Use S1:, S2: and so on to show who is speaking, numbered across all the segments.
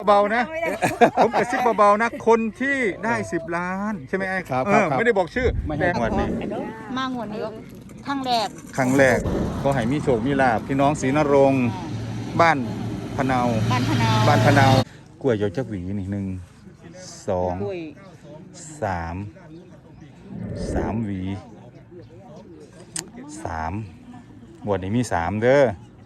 S1: เบาๆนะผมกระซิบเบาๆนะคนที่ได้10 ล้านใช่ไหมไอ้ครับไม่ได้บอกชื่อแต่งวดนี้
S2: มางวดนี้ครั้งแรก
S1: ก็ให้มีโชคมีลาภพี่น้องศรีนรงค์บ้านพะเนากล้วยเยอะจักหวีนี่1 2 3 หวี3วันนี้มี3เด้อ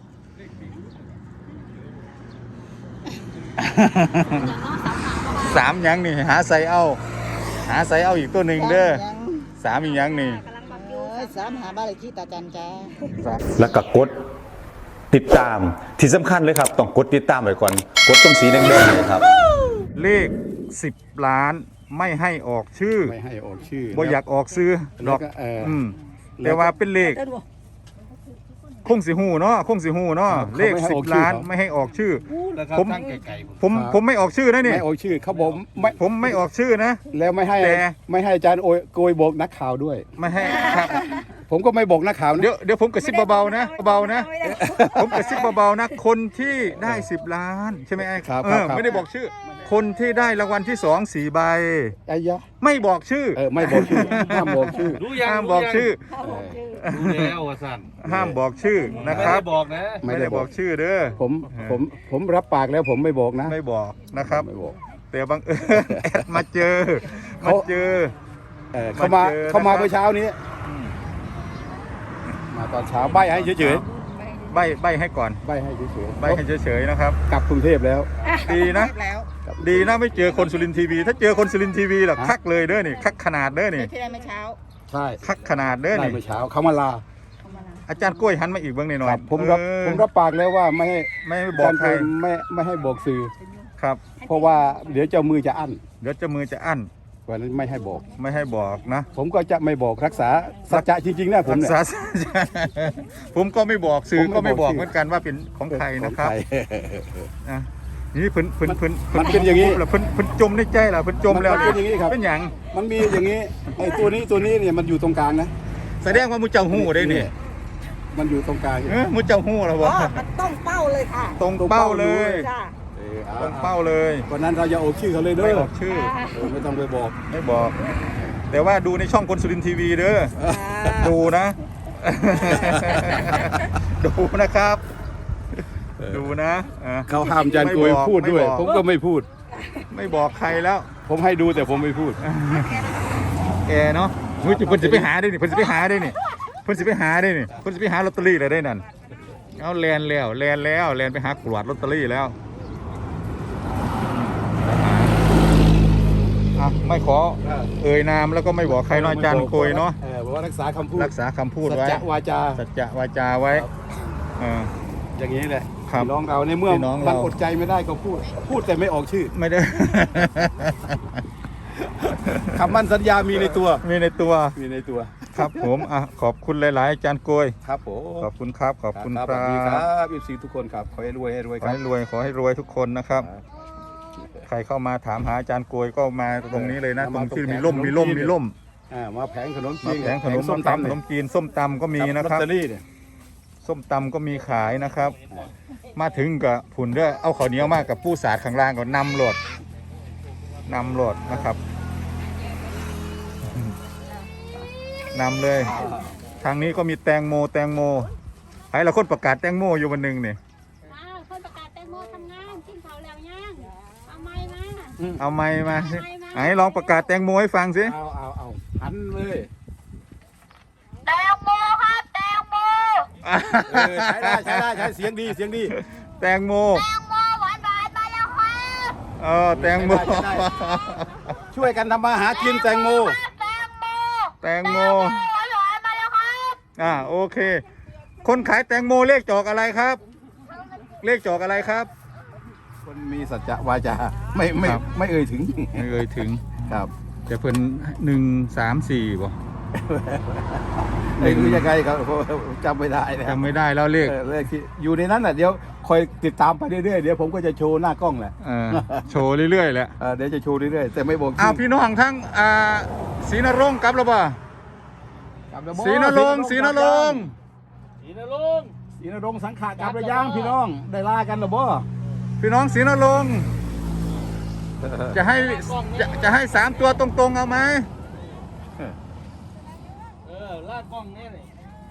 S1: 3ยังนี่หาใส่เอาอีกตัวหนึ่งเด้อ3อีกยังนี่
S2: 3หาบ้านเลขที่ตาจันจ้า
S3: แล้วก็กดติดตามที่สำคัญเลยครับต้องกดติดตามไว้ก่อนกดตรงสีแดงๆเลยครับ
S1: เลข10 ล้านไม่ให้ออกชื่อบ่อยากออกซื้อดอกแต่ว่าเป็นเลขคงสิหูเนาะเลข10 ล้านไม่ให้ออกชื่อผมไม่ออกชื่อนะนี่
S4: ไม่ออกชื่อเขาบอก
S1: ผมไม่ออกชื่อนะ
S4: แล้วไม่ให้อาจารย์โกยบอกนักข่าวด้วย
S1: ไม่ให้ครับ
S4: ผมก็ไม่บอกนักข่าว
S1: เดี๋ยวผมกระซิบเบาๆนะผมกระซิบเบาๆนะคนที่ได้10 ล้านใช่ไหมไอ้
S4: ครับ
S1: ไม่ได้บอกชื่อคนที่ได้รางวัลที่2 4 ใบไม่บอกชื่อ
S4: ไม่บอกชื่อห้ามบอกชื่อ
S1: ห้ามบอกชื่อ
S5: รู้แล้วว่าสั่น
S1: ห้ามบอกชื่อนะครับ
S5: บอกนะ
S1: ไม่ได้บอกชื่อเด้อ
S4: ผมรับปากแล้วผมไม่บอกนะ
S1: ไม่บอกนะครับ
S4: ไม่บอก
S1: แต่บังเอิญแอดมาเจอ
S4: เขามาเมื่อเช้านี้มาตอนเช้าใบให้เฉย
S1: ๆใบให้ก่อน
S4: ใบให้เฉยๆ
S1: ใบให้เฉยๆนะครับ
S4: กลับกรุงเทพแล้ว
S1: ดีนะไม่เจอคนสุรินทร์ทีวีถ้าเจอคนสุรินทร์ทีวีล่ะคักเลยเด้อนี่คักขนาดเด้อนี่
S2: ที่ได้เมื่อเช้า
S4: ใช่
S1: คักขนาดเด้อนี่
S4: เมื่อเช้าเขามาลา
S1: อาจารย์กล้วยหันมาอีกเบื้องหน่อย
S4: ผมรับปากแล้วว่าไม่
S1: ให้บอกใคร
S4: ไม่ให้บอกสื่อ
S1: ครับ
S4: เพราะว่าเดี๋ยวเจ้ามือจะอั้นวันนั้นไม่ให้
S1: บอกนะ
S4: ผมก็จะไม่บอกรักษาสัจจะจริงๆนะผมเนี่ย
S1: ผมก็ไม่บอกสื่อก็ไม่บอกเหมือนกันว่าเป็นของใครนะครับนี่เพิ่น
S4: มันเป็นอย่างนี้
S1: เพิ่นจมในใจเหรอเพิ่นจมแล้ว
S4: เป็นอย่างนี้ครับ
S1: เป็นอย่าง
S4: มันมีอย่างนี้ไอ้ตัวนี้เนี่ยมันอยู่ตรงกลางนะ
S1: แสดงว่ามุเจ้าหู้ได้นี่
S4: มันอยู่ตรงกลาง
S1: มุเจ้าหู้เหรอวะ
S2: มันต้องเป้าเลยค่ะ
S1: ตรงเป้าเลยตรงเป้าเลย
S4: วันนั้นเราจะออกชื่อเขาเลยเด้อ
S1: ไม่ออกชื่อ
S4: ไม่ต้องไปบอก
S1: ไม่บอกแต่ว่าดูในช่องคนสุรินทร์ทีวีเด้อดูนะดูนะครับดูนะ
S4: เขาห้ามอาจารย์โกยพูดด้วยผมก็ไม่พูด
S1: ไม่บอกใครแล้ว
S4: ผมให้ดูแต่ผมไม่พูด
S1: แกเนาะเพิ่นจะไปหาได้นี่เพิ่นจะไปหาลอตเตอรี่เลยได้นั่นเอาแลนไปหากรวดลอตเตอรี่แล้วไม่ขอเอ่ยนามแล้วก็ไม่บอกใครเนาะอาจารย์โกยเนาะ
S4: บอกว่ารักษาคำพูด
S1: ไว้สัจจะวาจาไว้
S4: อย่างนี้แหละน้องเราในเมื่อมันอดใจไม่ได้ก็พูดแต่ไม่ออกชื่อ
S1: ไม่ได้
S4: คำมั่นสัญญามีในตัว
S1: ครับผมขอบคุณหลายๆอาจารย์โกย
S4: ครับผม
S1: ขอบคุณครับครับ
S4: FC ทุกคนครับขอให้รวย
S1: ขอให้รวยทุกคนนะครับใครเข้ามาถามหาอาจารย์โกยก็มาตรงนี้เลยนะตรงที่มีร่ม
S4: มาแผงขนมจีน
S1: ส้มตำก็มีนะครับส้มตำก็มีขายนะครับมาถึงกับผุนด้วยเอาข้าวเหนียวมากกับผู้สาดข้างล่างก็นำโหลดนะครับนำเลยทางนี้ก็มีแตงโมใครละคนประกาศแตงโมอยู่วันหนึ่งเนี่ย
S6: คนประกาศแตงโมทำงานกินข้าวแล้วย่างเอาไ
S1: ม้มาไหนลองประกาศแตงโมให้ฟังสิ
S4: เอาหันเลย
S6: แตงโมครับแตงโม
S4: ใช้ได้เสียงดี
S1: แตงโม
S6: หวานมาแล้วครับ
S1: แตงโม
S4: ช่วยกันทำมาหากินแตงโม
S6: หวานมาแล้วครับ
S1: โอเคคนขายแตงโมเลขจอกอะไรครับ
S4: คนมีสัจจะวาจาไม่เอ่ยถึงครับ
S1: แต่เพิ่น1 3 4ป่ะ
S4: ไม่รู้ยังไงครับจำไม่ได้
S1: แล้วเลข
S4: ที่อยู่ในนั้นน่ะเดี๋ยวคอยติดตามไปเรื่อยๆเดี๋ยวผมก็จะโชว์หน้ากล้องแหละ
S1: โชว์เรื่อยๆแหละ
S4: เดี๋ยวจะโชว์เรื่อยๆแต่ไม่บอก
S1: พี่น้องทั้งศรีนรงค์กลับแล้วป่ะศรีนรงค์
S4: สังขะกลับระย่างพี่น้องได้ลากันหรือบ่
S1: พี่น้องศรีนรงค์จะให้3 ตัวตรงๆเอาไหม
S5: ลาดกล้องนี่เลย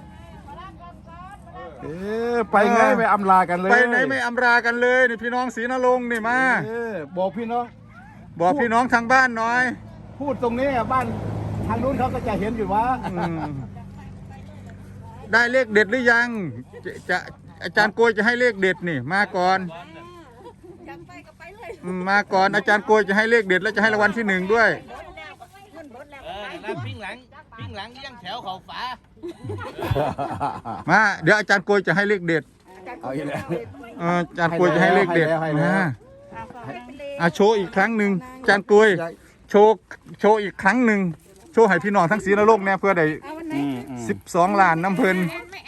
S4: ไปไงไม่อำลากันเลย
S1: ไปไหนไม่อำรากันเลยนี่พี่น้องศรีนรงค์นี่มา
S4: บอกพี่น้อง
S1: บอกพี่น้องทางบ้านหน่อย
S4: พูดตรงนี้บ้านทางนู้นเขาก็จะเห็นอยู่ว่า
S1: ได้เลขเด็ดหรือยังจะอาจารย์โกยจะให้เลขเด็ดนี่มาก่อนมาก่อนอาจารย์โกยจะให้เลขเด็ดแล้วจะให้รางวัลที่1ด้วย
S5: แล้วปิ้งหลังยังแถวเขาฝา
S1: มาเดี๋ยวอาจารย์โกยจะให้เลขเด็ด
S4: เอาอีกแล้ว
S1: อาจารย์โกยจะให้เลขเด็ด
S4: ให้แล้ว
S1: โชว์อีกครั้งหนึ่งอาจารย์โกยโชว์อีกครั้งหนึ่งโชว์ให้พี่น้องทั้งศรีนรงค์เนี่ยเพื่อได้12 ล้านน้ำเพลิน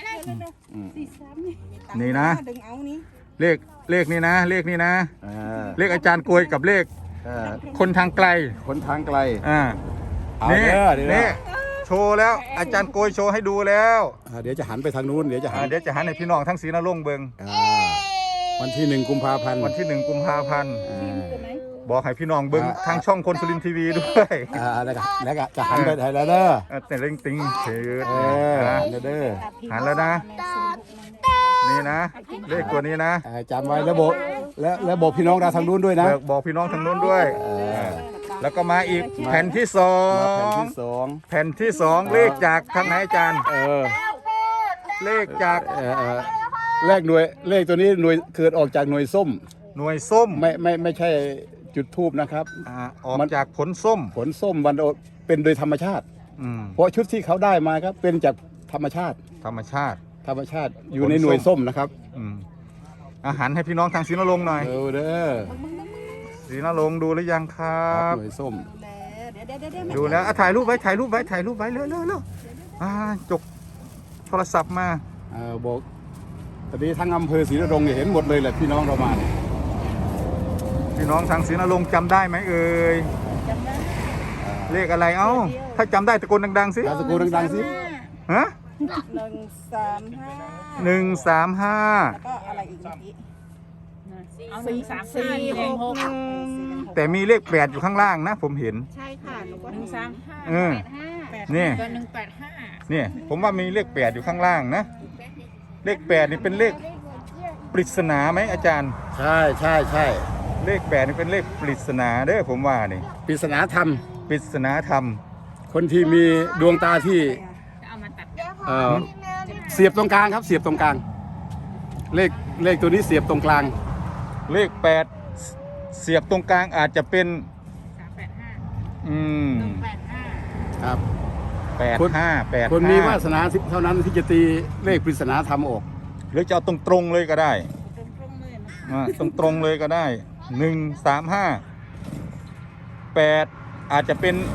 S1: นี่นะเลขนี่นะเลขนี่นะเลขอาจารย์โกยกับเลขคนทางไกล
S4: คนทางไกล
S1: นี่
S4: เดี๋ยว
S1: นี่โชว์แล้วอาจารย์โกยโชว์ให้ดูแล้ว
S4: เดี๋ยวจะหันไปทางนู้นเดี๋ยวจะหัน
S1: เดี๋ยวจะหันให้พี่น้องทั้งศรีนรงค์เบิ่ง
S4: วันที่1 กุมภาพันธ์
S1: วันที่1 กุมภาพันธ์บอกให้พี่น้องเบิ่งทางช่องคนสุรินทร์ทีวีด้วย
S4: แล้วก็จะหันไปไหนแล้วเด้อ
S1: แต่เร่งติงเชิด
S4: หันเด้อ
S1: หันแล้วนะ นี่นะ เลขตัวนี้นะ
S4: จำไว้แล้วบอกพี่น้องเราทางนู้นด้วยนะ
S1: บอกพี่น้องทางโน้นด้วย แล้วก็มาอีกแผ่นที่สอ
S4: แผ่น
S1: ง
S4: ที่สอง
S1: แผ่นที่2เลขจากทางไหนอาจารย์เลขจาก
S4: เลขตัวนี้หน่วยเกิดออกจากหน่วยส้ม
S1: หน่วยส้ม
S4: ไม่ใช่จุดทูบนะครับ
S1: ออกจากผลส้ม
S4: ผลส้มวันเป็นโดยธรรมชาติ เพราะชุดที่เขาได้มาครับเป็นจากธรรมชาติ
S1: ธรรมชาติ
S4: อยู่ในหน่วยส้มนะครับ
S1: อาหารให้พี่น้องทางศรีนรงค์หน่อย
S4: เด้อ
S1: ศรีนรงค์ดูหรือยังครับ
S4: หน่วยส้ม
S1: ดูแล้วถ่ายรูปไว้เร็วจกโทรศัพท์มา
S4: บอกตอนนี้ทั้งอำเภอศรีนรงค์เนี่ยเห็นหมดเลยแหละพี่น้องเรามาเนี่ย
S1: พี่น้องทางศรีนรงค์จำได้ไหมเอ่ยเลขอะไรเอ้าถ้าจำได้ตะโกนดังๆสิ
S4: ตะโกนดังๆสิ
S1: ฮะ
S2: 135
S1: 135
S2: ก็อะไรอีกเมื่อกี้
S6: เอา135
S1: แต่มีเลข8อยู่ข้างล่างนะผมเห็น
S2: ใช่ค่ะหนูก็
S6: 135
S1: นี่
S6: ก็185
S1: นี่ผมว่ามีเลข8อยู่ข้างล่างนะเลข8นี่เป็นเลขปริศนาไหมอาจารย์
S4: ใช่
S1: เลข8นี่เป็นเลขปริศนาเด้อผมว่านี่
S4: ปริศนาธรรม
S1: ปริศนาธรรม
S4: คนที่มีดวงตาที่
S6: เอามาตัด
S4: เสียบตรงกลางครับเสียบตรงกลางเลขตัวนี้เสียบตรงกลาง
S1: เลข8เสียบตรงกลางอาจจะเป็น
S6: 185
S4: ครับ
S1: 85
S4: คนมีวาสนาเท่านั้นที่จะตีเลขปริศนาธรรมออก
S1: หรือจะเอาตรงๆเลยก็ได้ตรงๆเลยก็ได้135 8อาจจะ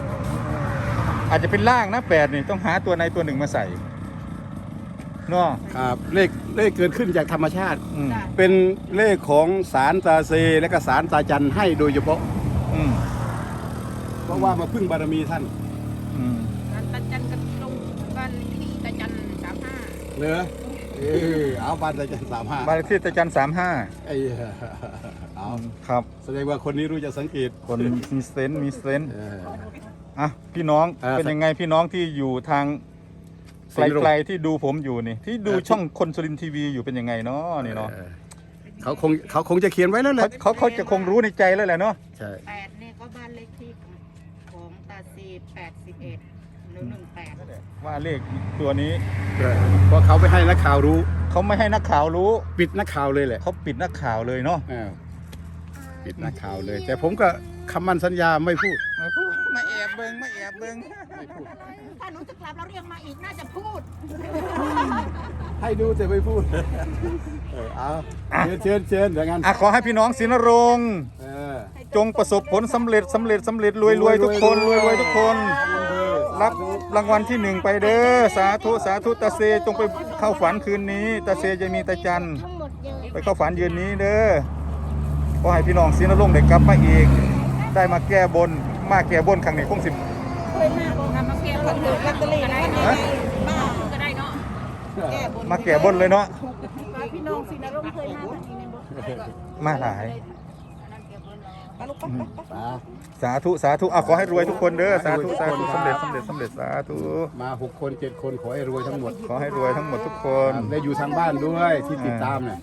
S1: เป็นล่างนะ8นี่ต้องหาตัวในตัวหนึ่งมาใส่เนาะ
S4: ครับเลขเกิดขึ้นจากธรรมชาติ
S1: อืม
S4: เป็นเลขของศาลตาเซและก็ศาลตาจันให้โดยเฉพาะ
S1: อืม
S4: เพราะว่ามาพึ่งบารมีท่าน
S1: อืม
S6: ตาจันกับตรงบ้านที่ตาจัน35
S4: เหรอเอาบ้านตาจัน35
S1: บ้านเลขที่ตะจัน35
S4: ไอ้เอา
S1: ครับ
S4: แสดงว่าคนนี้รู้จะสังเกต
S1: คนมีเซนส์มีเซนส์
S4: เออ
S1: อ่ะพี่น้อง
S4: อ่า
S1: เป็นยังไงพี่น้องที่อยู่ทาง
S4: ศรีนรงค์
S1: ไกลๆที่ดูผมอยู่นี่ที่ดูช่องคนสุรินทร์ทีวีอยู่เป็นยังไงเนาะนี่เนาะ
S4: เขาคงจะเขียนไว้แล้วแหละ
S1: เขาจะคงรู้ในใจแล้วแหละเนาะ
S4: ใช่
S2: 8เนี่ยก็บ้านเลขที่ของตาซี81หรือ18
S1: ว่าเลขตัวนี้
S4: เพราะเขาไม่ให้นักข่าวรู้
S1: เขาไม่ให้นักข่าวรู้
S4: ปิดนักข่าวเลยแหละ
S1: เขาปิดนักข่าวเลยเนาะ
S4: ปิดนักข่าวเลย แต่ผมก็คำมั่นสัญญาไม่พูด
S1: มาแอบเบิ้ง
S4: ไม่พูด
S6: ถ้าหนูจะกลับเราเรียกมาอีกน่าจะพูด
S4: ให้ดูแต่ไม่พูดเอาเชิญอย่างนั้น
S1: อ่ะขอให้พี่น้องศรีนรงค์
S4: เออ
S1: จงประสบผลสำเร็จรวยทุกคนรวยทุกคน รับรางวัลที่1ไปเด้อสาธุตาเซจงไปเข้าฝันคืนนี้ตาเซจะมีตาจันไปเข้าฝันยืนนี้เด้อขอให้พี่น้องศรีนรงค์ได้กลับมาอีกได้มาแก้บนครั้งนี้คงสิ
S6: มาเก็บคนถือลอตเตอรี่ก็ได้เนาะก็ได้เนาะ
S1: มาแก้บนเลยเนาะ
S6: พี่น้องศรีนรงค์เคยมาทางนี้ในบ่
S1: มาหลาย
S6: ไปลูกไป
S1: สาธุสาธุขอให้รวยทุกคนเด้อสาธุสาธุสำเร็จสาธุ
S4: มา6 คน 7 คนขอให้รวยทั้งหมด
S1: ขอให้รวยทั้งหมดทุกคน
S4: ได้อยู่ทางบ้านด้วยที่ติดตามเนี่ย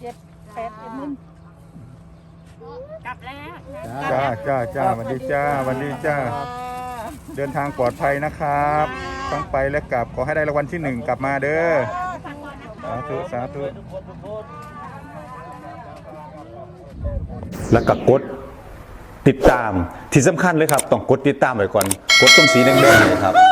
S2: กลับแล้ว
S1: จ้าสวัสดีจ้าเดินทางปลอดภัยนะครับต้องไปและกลับขอให้ได้รางวัลที่1กลับมาเด้อสาธุ
S3: แล้วก็กดติดตามที่สำคัญเลยครับต้องกดติดตามไว้ก่อนกดตรงสีแดงๆเลยครับ